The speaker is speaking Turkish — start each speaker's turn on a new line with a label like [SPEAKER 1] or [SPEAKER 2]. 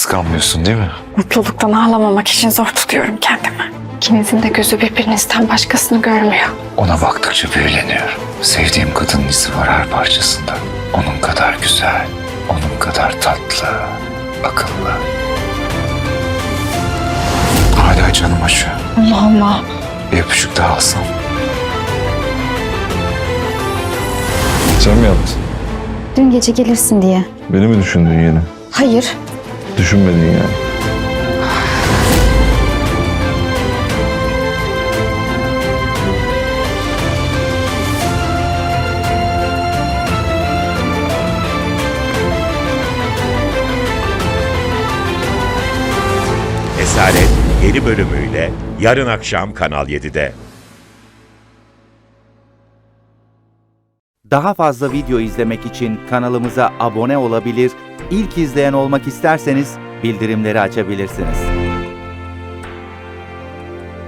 [SPEAKER 1] Kıskanmıyorsun değil mi?
[SPEAKER 2] Mutluluktan ağlamamak için zor tutuyorum kendimi. İkinizin de gözü birbirinizden başkasını görmüyor.
[SPEAKER 1] Ona baktıkça büyüleniyorum. Sevdiğim kadının izi var her parçasında. Onun kadar güzel, onun kadar tatlı, akıllı. Hala canım acıyor.
[SPEAKER 2] Allah Allah.
[SPEAKER 1] Bir öpücük daha alsam.
[SPEAKER 3] Sen mi yaptın?
[SPEAKER 4] Dün gece gelirsin diye.
[SPEAKER 3] Beni mi düşündün yine?
[SPEAKER 4] Hayır.
[SPEAKER 3] Düşünmedin yani.
[SPEAKER 5] Esaret yeni bölümüyle yarın akşam Kanal 7'de.
[SPEAKER 6] Daha fazla video izlemek için kanalımıza abone olabilir, ilk izleyen olmak isterseniz bildirimleri açabilirsiniz.